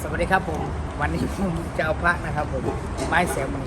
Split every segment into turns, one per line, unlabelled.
สวัสดีครับผมวันนี้ผมจะเอาพระนะครับผมไม้แสงมณี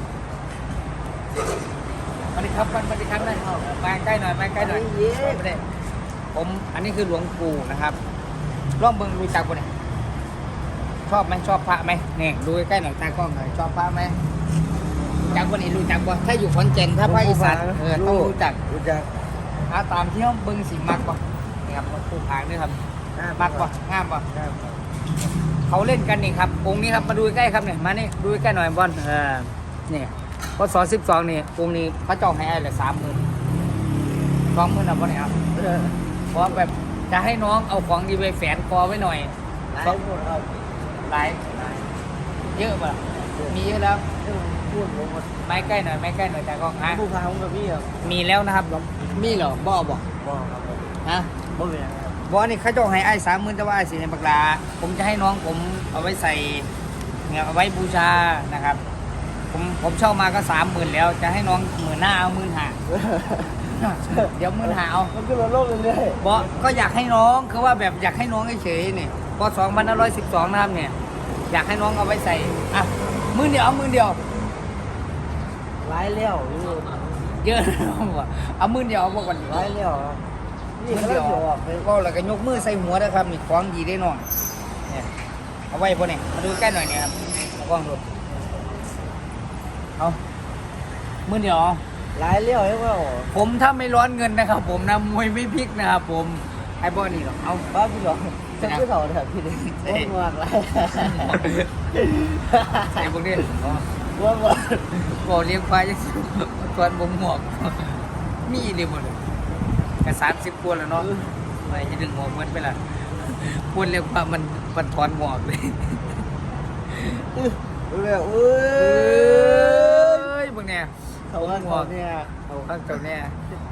สวัสดีครับสวัสดีครับนะมาใกล้หน่อยมาใกล้หน่อยไม่ได้ผมอันนี้คือหลวงปู่นะครับร่องเบิงรู้จักปะเนี่ยชอบไหมชอบพระไหมเนี่ยดูใกล้หน่อยตากล้องหน่อยชอบพระไหมจักปะนี่รู้จักปะถ้าอยู่ขอนแก่นถ้าภาคอีสานต้องรู้จักถ้าตามที่ห้องเบิงสีมักปะนี่ครับหลวงปู่ผางนี่ครับมักปะงามปะเขาเล่นกันนี่ครับองค์นี้ครับมาดูใกล้ครับเนี่ยมานี่ดูใกล้หน่อยบอลนี่พศ12นี่องค์นี้พระเจ้าให้อะไร30,000 20,000นะบอลเนี่ยครับเพราะแบบจะให้น้องเอาของดีไปแฝนคอไว้หน่อยหลายเยอะป่ะมีเยอะแล้วไม้ใกล้หน่อยไม้ใกล้หน่อยแต่ก็ฮะ
ผู้พาของกับพี่ครับ
มีแล้วนะครับมีเหรอบ่บอก
ครับ
ฮะ
บ่เป็นไรครับ
บอนี่เขาจะให้ไอ้30,000แต่ว่าไอ้สีในปากลาผมจะให้น้องผมเอาไว้ใส่เนี่ยเอาไว้บูชานะครับผมเช่ามาก็30,000แล้วจะให้น้อง15,000เอา15,000เดี๋ยว15,000เอา
มันขึ้นมาโลกเรื่อย
บอก็อยากให้น้องคือว่าแบบอยากให้น้องเฉยๆนี่พอ2512นะครับเนี่ยอยากให้น้องเอาไว้ใส่อ่ะ10,000เดียวเอา10,000เดียว
ๆร้ายเลี้ยว
เยอะนะเอา10,000เดียวเอาบอกก่อน
ร้ายเลี้ยวนี่ก็
เดี
เลี้
ย
ยว วออกไป
ก็แล้วก็ยกมือใส่หัวนะครับมีของดีได้น้องเนี่ยเอาไว้พวกนี้มาดูใกล้หน่อยเนี่ยครับเอากล้องดูเอา10,000เดียว
ร้ายเลี้ยวใช่ไหม
ผมถ้าไม่ร้อนเงินนะครับผมนะมวยไม่พลิกนะครับผมไอ้บอนี่หรอกเอา
บ้าพี่หรอจะไม่ถอดเถอะพี่เลยง่วงไร
ใส่พวกนี้
ง่วง
บอกเลี้ยงควายยังตัวบ่งหมวกมีเดียวหมดเลยกระ30 ตัวแล้วเนาะไม่จะดึงหมวกเหมือนไปละพูดเรียกว่ามันถอนหมวกเลย
เร็วเอ้
ยพวกเนี้ย
เขาข้างเขาเนี่ย
เอาข้างเจ้าเนี่ย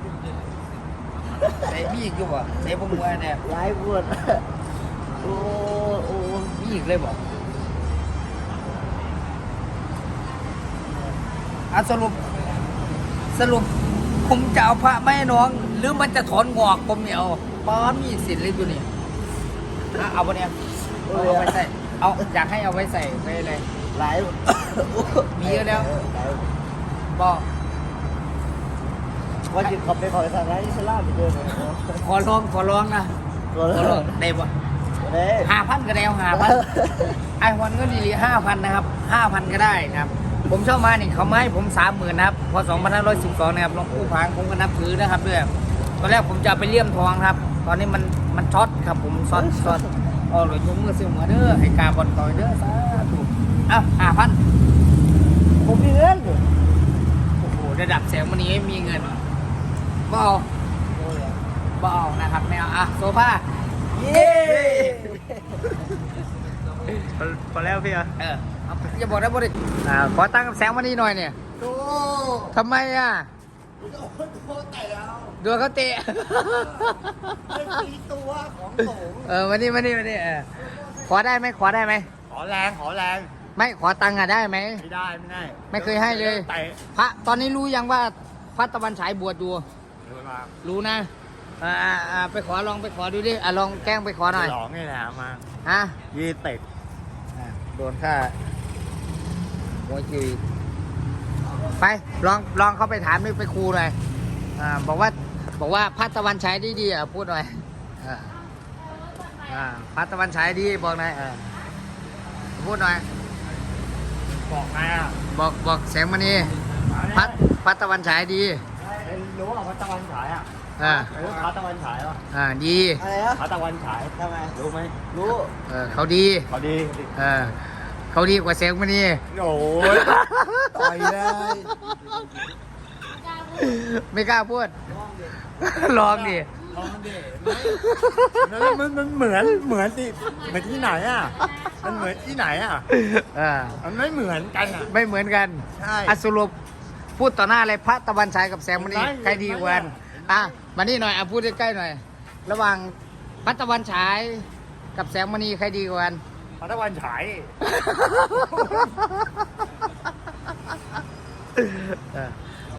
ใส่มีอีกอยู่บ่ใส่พวกมวยเนี่ย
ร้ายปวดโอ้โอ้
มีอีกเลยบ่สรุปผมจะเอาพระไม่ให้น้องหรือมันจะถอนงอกผมเนี่ยเอาป้ามีอีกสิทธิ์เลยตัวนี้เอาไปเนี่ยเอาไว้ใส่เอาอยากให้เอาไว้ใส่ไว้เลย
ร้าย
มีเยอะแล้วบอก
ว่าจะขับไปขอทางร้านอิสลามไปเจอเลย
ขอร้องนะขอร้องได้ปะ5,000ก็ได้5,000ไอ้วันก็ดี5,000นะครับ5,000ก็ได้นะครับผมเช่ามานี่เขาไม่ให้ผม30,000นะครับพอ2512นะครับหลวงปู่ผางผมก็นับถือนะครับด้วยตอนแรกผมจะไปเลี่ยมทองครับตอนนี้มันช็อตครับผมช็อตอ๋อหลวงยกมือซื้อหัวเด้อให้กาบอลต่อยเด้อสาธุ5,000
ผมมีเงิน
โอ้โหระดับแสงวันนี้มีเงินบ่เอานะครับไม่เอาโซฟา
เย้
พอแล้วพี่อย่าบอกนะบริขอตั้งกับแสงวันนี้หน่อยเนี่ยทำไมดูเขาเตะ
ตัวของโสม
วันนี้ขอได้ไหมขอแรงไม่ขอตังค์ได้ไหม
ไม่ได้
ไม่เคยให้เลยพระตอนนี้รู้ยังว่าพระตะวันฉายบวชอยู่รู้นะไปขอลองไปขอดูดิลองแกล้งไปขอหน่อย
หลองนี่แหละมา
20โดนค่าโวยคิวไปลองเข้าไปถามนี่ไปครูหน่อยบอกว่าพระตะวันฉายดีพูดหน่อยพระตะวันฉายดีบอกหน่อยพูดหน่อย
บอกไง
บอกแสงมณีพระตะวันฉายดี
รู้ว่าพระตะวันฉายรู้พระตะวันฉาย
ดี
พระตะวันฉายทำไมรู้ไหมรู้
เขาดีเขาดีกว่าแสงมณี
โอ้ยต่อยเลย
ไม่กล้าพูดลองดิ
มันเหมือนที่ไหนมันเหมือนที่ไหนมันไม่เหมือนกัน
ไม่เหมือนกัน
ใช่
สรุปพูดต่อหน้าเลยพระตะวันฉายกับแสงมณีใครดีกว่ากันมานี่หน่อยพูดใกล้ๆหน่อยระหว่างพระตะวันฉายกับแสงมณีใครดีกว่ากัน
พระตะวันฉาย